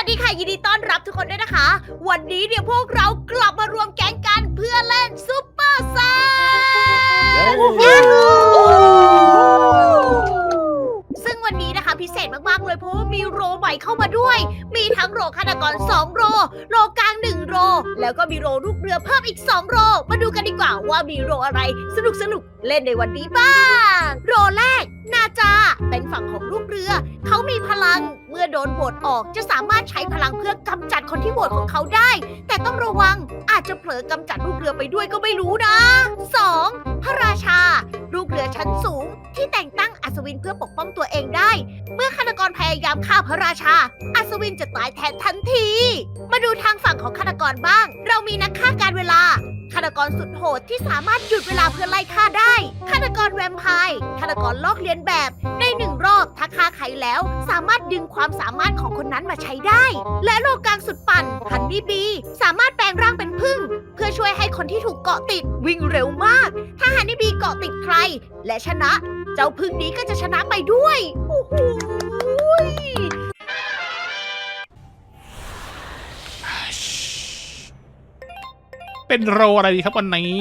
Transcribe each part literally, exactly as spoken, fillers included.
สดีค่ะยินดีต้อนรับทุกคนด้วยนะคะ วันนี้เนี่ยพวกเรากลับมารวมแก๊งกันเพื่อเล่นซุปเปอร์ไซซึ่งวันนี้นะคะพิเศษมากๆเลยเพราะว่ามีโรใหม่เข้ามาด้วย มีทั้งโรฆาตกรสองโรโรกลางหนึ่งโรแล้วก็มีโรลูกเรือเพิ่มอีกสองโรมาดูกันดีกว่าว่ามีโรอะไรสนุกสนุกๆเล่นในวันนี้บ้างโรแรกนาจาเป็นฝั่งของลูกเรือเขามีพลังเมื่อโดนโหวตออกจะสามารถใช้พลังเพื่อกำจัดคนที่โหวตของเขาได้แต่ต้องระวังอาจจะเผลอกำจัดลูกเรือไปด้วยก็ไม่รู้นะ สอง พระราชาลูกเรือชั้นสูงที่แต่งตั้งอัศวินเพื่อปกป้องตัวเองได้เมื่อฆาตกรพยายามฆ่าพระราชาอัศวินจะตายแทนทันที มาดูทางฝั่งของฆาตกรบ้าง เรามีนักฆ่าการเวลาฆาตกรสุดโหดที่สามารถหยุดเวลาเพื่อไล่ฆ่าได้ฆาตกรแวมไพร์ฆาตกรลอกเลียนแบบในหนึ่งรอบถ้าฆ่าใครแล้วสามารถดึงความสามารถของคนนั้นมาใช้ได้และโลกลางสุดปั่นฮันนี่บีสามารถแปลงร่างเป็นผึ้งเพื่อช่วยให้คนที่ถูกเกาะติดวิ่งเร็วมากถ้าฮันนี่บีเกาะติดใครและชนะเจ้าผึ้งนี้ก็จะชนะไปด้วยโอ้โหเป็นโรอะไรดีครับวันนี้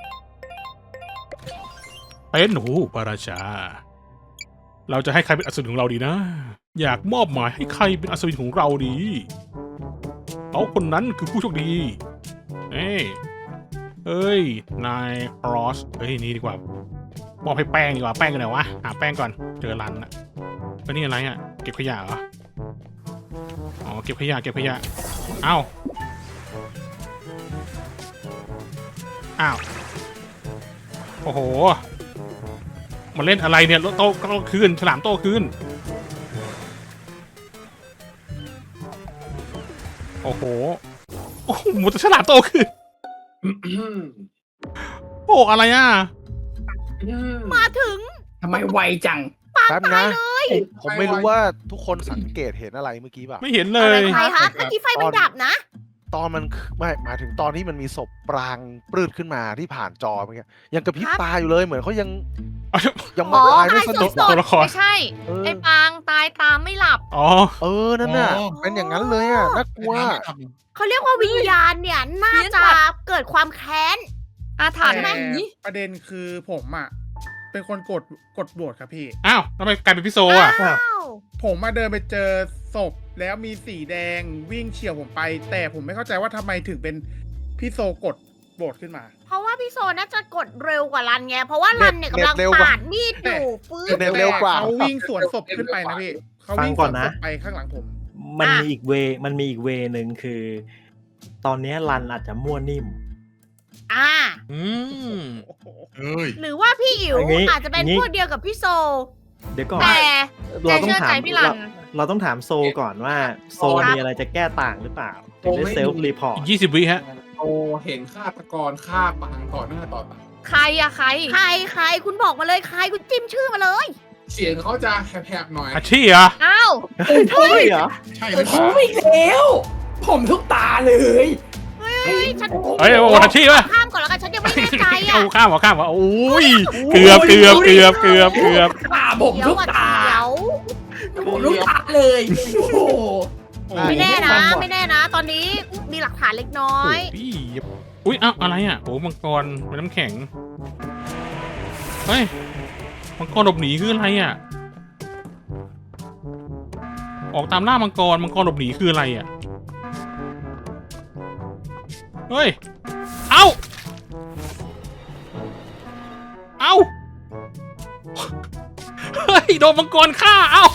เป็นหูพระราชาเราจะให้ใครเป็นอัศวินของเราดีนะอยากมอบหมายให้ใครเป็นอัศวินของเราดีเขาคนนั้นคือผู้โชคดีเอ้ยเอ้ยนายครอสเฮ้ยนี่ดีกว่ามอบให้แป้งดีกว่าแป้งกันไหนวะหาแป้งก่อนเจอรันอะแล้วนี่อะไรอะเก็บขยะเหรออ๋อเก็บขยะเก็บขยะเอ้าอ้าวโอ้โหมาเล่นอะไรเนี่ยโต๊ะโต๊ะคืนฉลามโต๊ะคืนโอ้โหโอ้โหหมดฉลามโต๊ะคืนโอ้อะไรอ่ะมาถึงทำไมไวจังปางแป๊บตายนะเลยผมไม่รู้ว่าทุกคนสังเกตเห็นอะไรเมื่อกี้ป่ะไม่เห็นเลอะไรยใครคะเมื่อกี้ไฟมันดับนะตอนมันไม่หมายถึงตอนที่มันมีศพปรางปลืดขึ้นมาที่ผ่านจอเมื่อกี้ยังกระพริบครับตาอยู่เลยเหมือนเขายังยังอ๋อตายไม่สนุกตายสดตัวละครไม่ใช่เออไอ้ปางตายตามไม่หลับอ๋อเออนั่นน่ะอ๋อเป็นอย่างนั้นเลยอ่ะน่ากลัวเขาเรียกว่าวิญญาณเนี่ยน่าจะเกิดความแค้นอาถรรพ์ใช่ไหมหนีประเด็นคือผมอ่ะ เป็นคนกดกดโหวตครับพี่อ้าวทำไมกลายเป็นพี่โซอ่ะอ้าวผมมาเดินไปเจอศพแล้วมีสีแดงวิ่งเฉียวผมไป แต่ผมไม่เข้าใจว่าทำไมถึงเป็นพี่โซกดโหวตขึ้นมาเพราะว่าพี่โซน่าจะกดเร็วกว่ารันไง เพราะว่ารันเนี่ยกำลังปาดมีดอยู่ฟื้นเร็วกว่าเขาวิ่งสวนศพขึ้นไปนะพี่เขาวิ่งสวนศพไปข้างหลังผมมันอ่ะมีอีกเวมันมีอีกเวหนึ่งคือ ตอนเนี้ยรันอาจจะมั่วนิ่มอ่าอืมหรือว่าพี่อิ๋วอย่างงี้อาจจะเป็นอย่างงี้พวกเดียวกับพี่โซเดี๋ยวก่อนแต่เราต้องเชื่อถาใจมพี่รันเราเราต้องถามโซก่อนว่า โซครับมีอะไรจะแก้ต่างหรือเปล่าถึงได้เซลฟ์รีพอร์ตอีกยี่สิบวิฮะโอเห็นฆาตกรฆ่าปางต่อหน้าต่อตาใครอะใครใครใครคุณบอกมาเลยใครคุณจิ้มชื่อมาเลยเสียงเขาจะแหบๆหน่อยอาชีพเหรออ้าวเฮ้ยเหรอใช่ไหมผมอีกแล้ว ผมทุกตาเลยเฮ้ยเฮ้ยฉันเฮ้ยโอ้อาชีพป่ะข้ามก่อนแล้วกันฉันยังไม่แน่ใจอ่ะเอาข้ามเหรอข้ามเหรอโอ้ยเกือบเกือบเกือบเกือบเกือบตาผมเดี๋ยวทุกอ่ะตาเดี๋ยวผมทุกตาเลยโอ้โหไม่แน่นะ ไม่แน่นะ ตอนนี้มีหลักฐานเล็กน้อยพี่อุ้ยเอ้าอะไรอ่ะโอ้มังกรเป็นน้ำแข็งเฮ้ยมังกรหลบหนีคืออะไรอ่ะออกตามล่ามังกรมังกรหลบหนีคืออะไรอ่ะเฮ้ยเอ้าเอ้าเฮ้ยโดนมังกรฆ่าเอ้า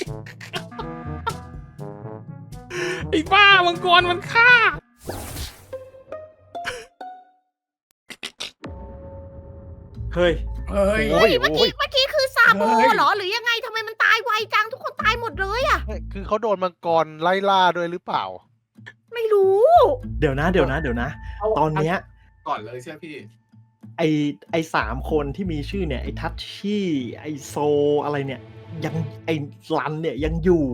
ไอ้บ้ามังกรมันฆ่าเฮ้ยเฮ้ยโอ้เฮ้ยย เมื่อโอ้กี้ยเมื่อกี้คือซาโบเฮ้ยเหรอ หรือยังไงทำไมมันตายไวจัง ทุกคนตายหมดเลยอะคือเขาโดนมังกรไล่ล่าด้วยหรือเปล่าไม่รู้เดี๋ยวนะเดี๋ยวนะเดี๋ยวนะ ตอนเนี้ยก่อนเลยใช่ไหมพี่ไอไอสามคนที่มีชื่อเนี่ยไอทัชชี่ไอโซอะไรเนี่ย ยังไอรันเนี่ยยังอยู่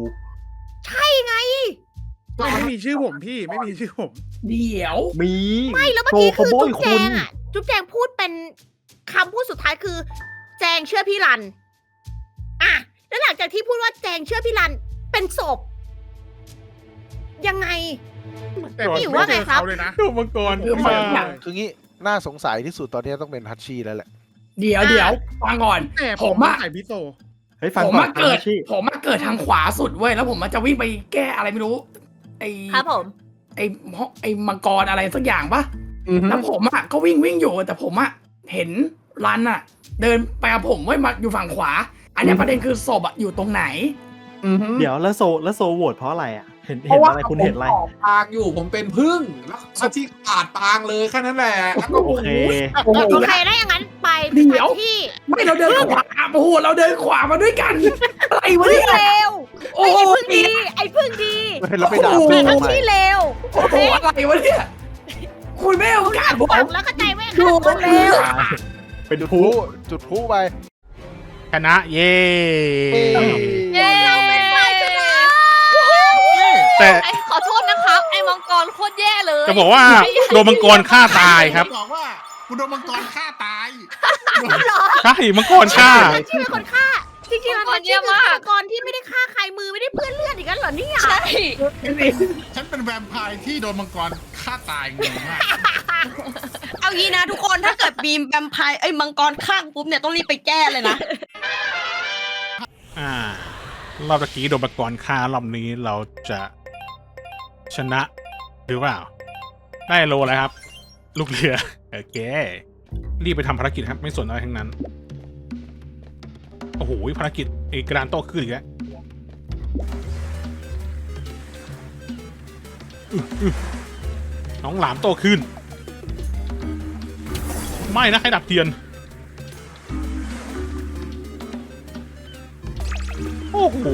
ไม่มีชื่อผมพี่ไม่มีชื่อผม เดี๋ยวมีไม่แล้วเมื่อโซกี้เขาคือโบจุ๊ยบคแจนงอะจุ๊บแจงพูดเป็นคำพูดสุดท้ายคือ แจงเชื่อพี่รัน อ่ะ แล้วหลังจากที่พูดว่าแจงเชื่อพี่รัน เป็นศพยังไงแต่ผมพี่อยู่ไม่ว่าเจไงอครับเขาเลยนะโดมังกรผมไม่มาเจอคืองี้น่าสงสัยที่สุดตอนนี้ต้องเป็นทัชชี่แล้วแหละเดี๋ยวเดี๋ยวฟังก่อนแต่ผผม มมาอะใส่พิโซเฮ้ยฟังผมก่อมาน เกิดทัชชี่ผมมาเกิดทางขวาสุดเว้ยแล้วผมมันจะวิ่งไปแก้อะไรไม่รู้ ไอครับผมไอไอมังกรอะไรสักอย่างปะอือฮึแล้วผมอะก็วิ่งวิ่งอยู่แต่ผมอะเห็นรันอะเดินไปกับผมไว้ยมาอยู่ฝั่งขวา อันเนี้ยประเด็นคือศพอะอยู่ตรงไหนอือฮึเดี๋ยวแล้วโซแล้วโซโหวตเพราะอะไรอ่ะ เห็นเพเห็นราะว่าอะไรคุณเห็นอะไรผมออกปางอยู่ผมเป็นพึ่งแล้วอาที่ขาดปางเลยแค่นั้นแหละแล้วก็โอเคโอ้โหโอเคได้อย่างนั้นไปเดี๋ยวที่ไม่เราเดินขวาโอ้โหเราเดินขวามาด้วยกันอะไรวะพึ่งเนี่ยเร็วโอ้ไอ้โหพึ่งดี ไอ้พึ่งดีเราไปด่าโอ้โหแต่เพื่อนทั้งทำไมที่เร็วโอ้โหอะไรวะเนี่ยคุณไม่เอาโอกาสผมฟังแล้วเข้าใจไหมดูครับเร็วเป็นจุดพผู้ลุจุดพลุไปชนะเย้เย้เราเป็นฝ่ายชนะแต่ไอ้ขอโทษนะครับ ไอ้มังกรโคตรแย่เลยจะบอกว่าโดนมังกรฆ่าตายครับบอกว่าคุณโดนมังกรฆ่าตายใช่มังกรฆ่าที่เป็นคนฆ่า จริงๆแล้วมันคือฆาตกรที่ไม่ได้ฆ่าใครมือไม่ได้เปื้อนเลือดอีกแล้วเหรอเนี่ยใช่ฉันเป็นแวมไพร์ที่โดนมังกรฆ่าตายงงมากเอางี้นะทุกคนถ้าเกิดมีแวมไพร์ไอ้ยมังกรข้างปุ๊บเนี่ยต้องรีบไปแก้เลยนะอ่ารอบตะกี้โดนมังกรฆ่ารอบนี้เราจะชนะหรือเปล่า ได้โลอะไรครับ ลูกเรือโอเครีบไปทำภารกิจครับ ไม่สนอะไรทั้งนั้น โอ้โหภารกิจเอกกระดานโต้ขึ้นอีกแล้วอื้ออื้อน้องหลามโตขึ้น ไม่นะใครดับเทียน โอ้โห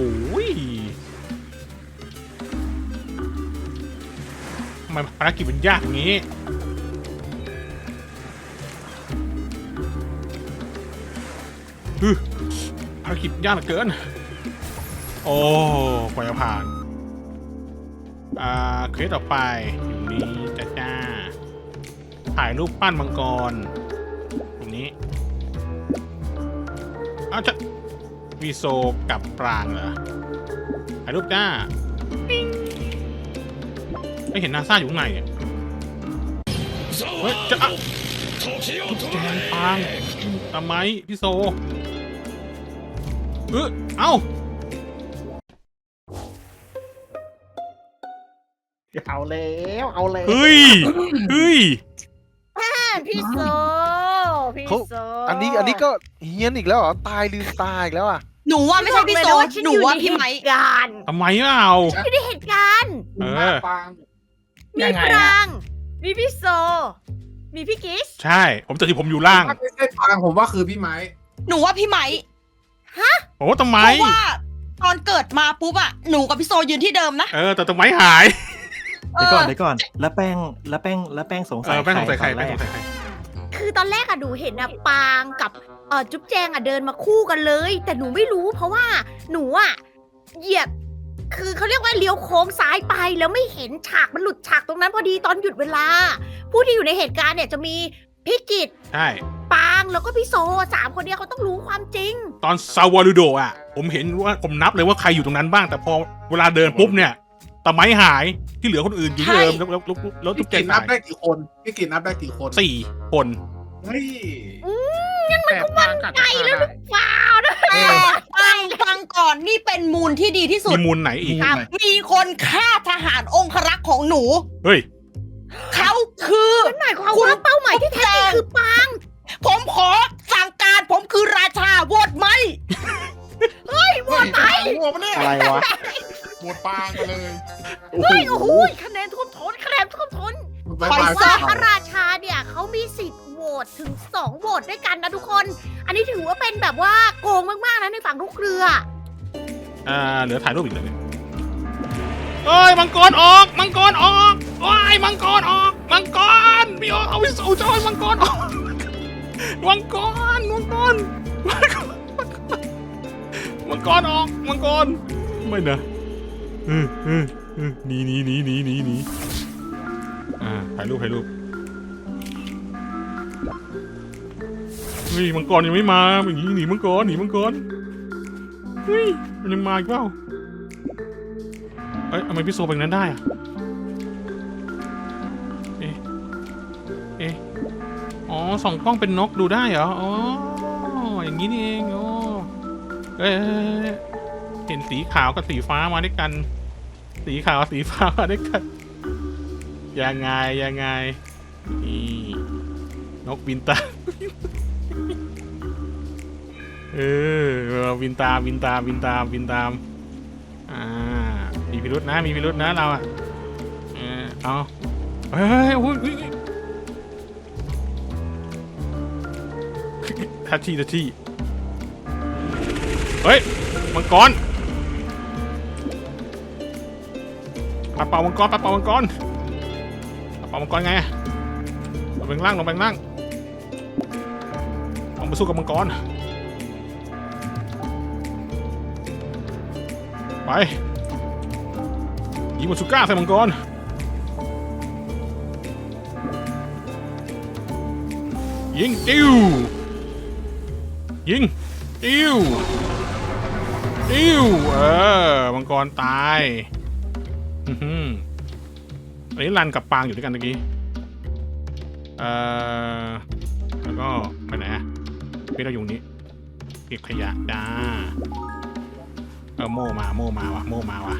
ทำไมภารกิจมันยากอย่างนี้ฮึภารกิจยากเหลือเกิน โอ้กว่าจะผ่าน อ่าเคสต่อไปอยู่นี้จ้าจ้าถ่ายรูปปั้นมังกร ตรงนี้อ้าวจะวีโซกับปรางเหรอ ถ่ายรูปจ้าปิ๊งไม่เห็นนาซาอยู่ข้างในเนี่ยเฮ้ยจะอ่ะแจงปรางทำไมพี่โซเออเอ้าเอาแล้วเอาแล้วเฮ้ย เฮ้ยพี่โซ พี่เขาโซอันนี้อันนี้ก็เฮี้ยนอีกแล้วเหรอ ตายลืมตายอีกแล้วอ่ะหนูว่าไม่ใช่พี่โซบอกเลยะฉัหนูว่าพี่ไม้อยู่ในเหตุการณ์ทำไมไม่เอาอยู่ในเหตุการณ์เออปางมียังไงปอะราง มีพี่โซ มีพี่กิสใช่ ผมจะที่ผมอยู่ล่างถ้าไม่ใช่ปางผมว่าคือพี่ไม้หนูว่าพี่ไม้โอ้ทำไมเพราะว่าตอนเกิดมาปุ๊บอะหนูกับพี่โซยืนที่เดิมนะเออ แต่ทำไมหายเดี๋ยวก่อนเดี๋ยวก่อน แล้วแป้งแล้วแป้งแล้วแป้งสงเอสัยอแป้งสงสัยใครตอนแป้งแรสกงสัยใครคือตอนแรกอะหนูเห็นอะปางกับเออจุ๊บแจงอะเดินมาคู่กันเลย แต่หนูไม่รู้เพราะว่าหนูอะเหยียบ คือเขาเรียกว่าเลี้ยวโค้งซ้ายไปแล้วไม่เห็นฉากมันหลุดฉากตรงนั้นพอดีตอนหยุดเวลา ผู้ที่อยู่ในเหตุการณ์เนี่ยจะมีพี่กิตใช่ปางแล้วก็พี่โซสามคนเนี้ยเขาต้องรู้ความจริงตอนซาวาลูโดอ่ะ ผมเห็นว่าผมนับเลยว่าใครอยู่ตรงนั้นบ้าง แต่พอเวลาเดินปุ๊บเนี่ยตะไม้หายที่เหลือคนอื่นอยู่ที่เดิมแล้วแล้วแล้วแล้วทุพี่กเจกินนนับหายได้กี่คนพี่กินนับได้กี่คนสี่คนเฮ้ยแต่ปางกัดฆ่าได้ว้าวนะฟังฟังก่อนนี่เป็นมูลที่ดีที่สุมีดมูลไหนอีกครับมีคนฆ่าทหารองครักษ์ของหนูเฮ้ยเขาคือหมายความว่าเป้าหมายที่แท้จริงคือปางผมขอสั่งการผมคือราชาโหวตไหมโหวตไปโหวตมาเนี่ยอะไรวะโหวตปางไปเลยเฮ้ยโอ้โหคะแนนท่วมท้นคะแนนท่วมท้นบายไปบายซะว่าพระราชาเนี่ยเขามีสิทธิ์โหวตถึงสองโหวตด้วยกันนะทุกคน อันนี้ถือว่าเป็นแบบว่าโกงมากๆนะในฝั่งลูกเรืออ่าเหลือถ่ายรูปอีกเลยเอ้ยมังกรออก มังกรออกว้ายมังกรออก มังกรพี่โอเอาวิสูจอยมังกรออกมังกรมังกรมังกรมังกรออกมังกรไม่นะเออเออเออหนีหนีหนีหนีหนีหนีอ่าถ่ายรูปถ่ายรูปเฮ้ยมังกรยังไม่มาอย่างนี้หนีมังกรหนีมังกรเฮ้ยมันยังมาอีกเปล่าเอ้ยทำไมพี่โซเป็นนั้นได้อะเอ๊ะเอ๊ะอ๋อส่องกล้องเป็นนกดูได้เหรออ๋ออย่างนี้นี่เองโอ้เอ้ยเห็นสีขาวกับสีฟ้ามาด้วยกัน สีขาวกับสีฟ้ามาด้วยกันยังไงยังไงนี่นกบินตาม เออบินตามบินตามบินตามบินตามอ่ามีพิรุษนะมีพิรุษนะเราอ่ะเออเอาเฮ้ยโอ้ยทัชชี่ทัชชี่เฮ้ยมังกรปลาเป่ามังกรปลาเป่ามังกรปลาเป่ามังกรไงลงไปข้างล่างลงไปข้างล่างลงไปสู้กับมังกรไปยิงมาสุก้าใส่มังกรยิงติ้วยิงติ้วติ้วเออมังกรตายอือหืออันนี้รันกับปางอยู่ด้วยกันเมื่อกี้เอ่อแล้วก็ไปไหนอะพี่เราอยู่นี้เก็บขยะจ้าเออโม่มาโม่มาวะโม่มาวะ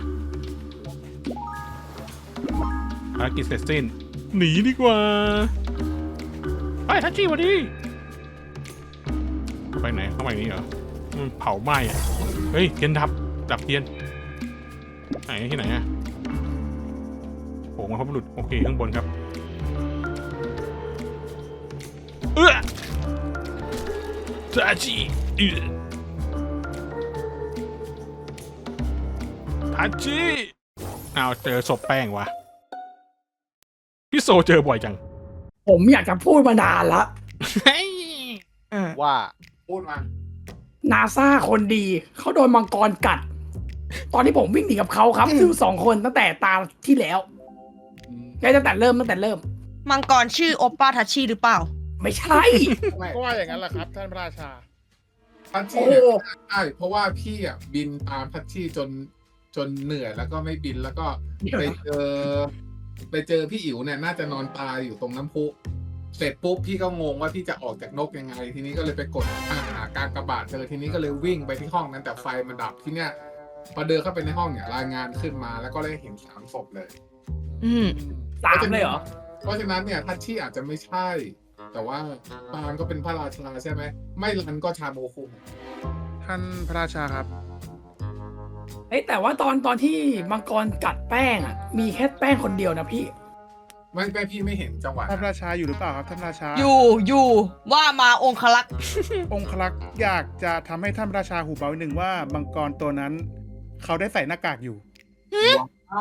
ภารกิจเสร็จสิ้นหนีดีกว่าไปทัชชี่วันนี้ไปไหนเข้าไปนี้เหรอมันเผาไหม้อะเฮ้ยเทียนดับดับเทียนไหนที่ไหนอะโผล่มาเขาหลุดโอเคข้างบนครับเอื้อทัชชี่เอื้อทัชชี่เอาเจอศพแป้งวะพี่โซเจอบ่อยจังผมอยากจะพูดมานานละว่าพูดมานาซาคนดีเขาโดนมังกรกัด ตอนที่ผมวิ่งหนีกับเขาครับซึ่งสองคนตั้งแต่ตาที่แล้วแล้วตั้งแต่เริ่มตั้งแต่เริ่มมังกรชื่อโอปป้าทัชชี่หรือเปล่าไม่ใช่ก็ว่าอย่างนั้นแหละครับท่านพระราชาทัชโอ้ชี่โหเนี่ยใช่เพราะว่าพี่อ่ะบินตามทัชชี่จนจนเหนื่อยแล้วก็ไม่บินแล้วก็ไปเจอไปเจอพี่อิ๋วเนี่ยน่าจะนอนตายอยู่ตรงน้ำพุเสร็จปุ๊บพี่ก็งงว่าพี่จะออกจากนกยังไง ทีนี้ก็เลยไปกดหาการกระบาดเจอทีนี้ก็เลยวิ่งไปที่ห้องนั้นแต่ไฟมันดับที่เนี้ยพอเดินเข้าไปในห้องเนี่ยรายงานขึ้นมาแล้วก็ได้เห็นสามศพเลยอืมสามเลยเหรอเพราะฉะนั้นเนี่ยทัชชี่อาจจะไม่ใช่ แต่ว่าปางก็เป็นพระราชาใช่ไหมไม่รันก็ชาโมคุท่านพระราชาครับเอ้ยแต่ว่าตอนตอนที่มังกรกัดแป้งอ่ะ มีแค่แป้งคนเดียวนะพี่ไม่ไม่พี่ไม่เห็นจังหวะท่านพระราชาอยู่หรือเปล่าครับท่านพระราชาอยู่อยู่ว่ามาองคลักษ์องคลักษ์อยากจะทำให้ท่านพระราชาหูเบาหนึ่งว่ามังกรตัวนั้น เขาได้ใส่หน้ากากอยู่ว้าว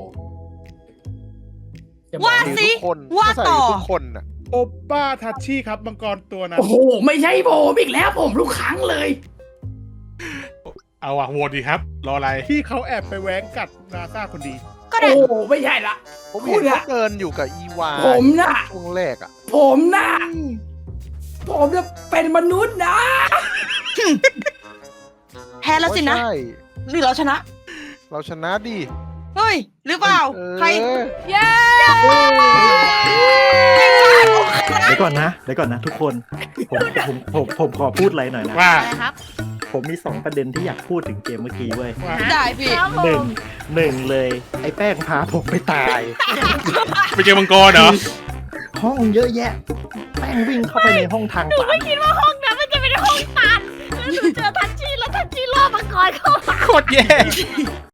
ว่าสิทุกคนว่าใส่ต่อทุกคนน่ะโอปป้าทัชชี่ครับมังกรตัวนั้นโอ้โห ไม่ใช่ผมอีกแล้วผมทุกครั้งเลยเอาอะโหวตดีครับ รออะไรที่เขาแอบไปแว้งกัดนาซาคนดีก็ได้โอ้โห ไม่ใช่ละผมคุเห็นณเขาอะเดินอยู่กับอีวาผมน่ะช่วงแรกอ่ะผมน่ะ ผมจะเป็นมนุษย์นะแพ้แล้วสินะใช่หรือเราชนะเราชนะดิเฮ้ย หรือเปล่าเออใครเย้เดี๋ยวก่อนนะเดี๋ยวก่อนนะทุกคน ผมผมผมผมขอพูดอะไรหน่อยนะว่าอะไรครับผมมีสองประเด็นที่อยากพูดถึงเกมเมื่อกี้เว้ยได้พี่ครับผหนึ่งมหนึ่งเลย ไอ้แป้งพาผมไปตายไปเจอมังกรเหรอห้องเยอะแยะ แป้งวิ่งเข้าไปในห้องทางหนูตัไม่นคิดว่าห้องนั้นมันจะเป็นห้องตันแล้วหนูเจอทัชชี่แล้วทัชชี่ล่อมังกรเข้ามาโคตรแย่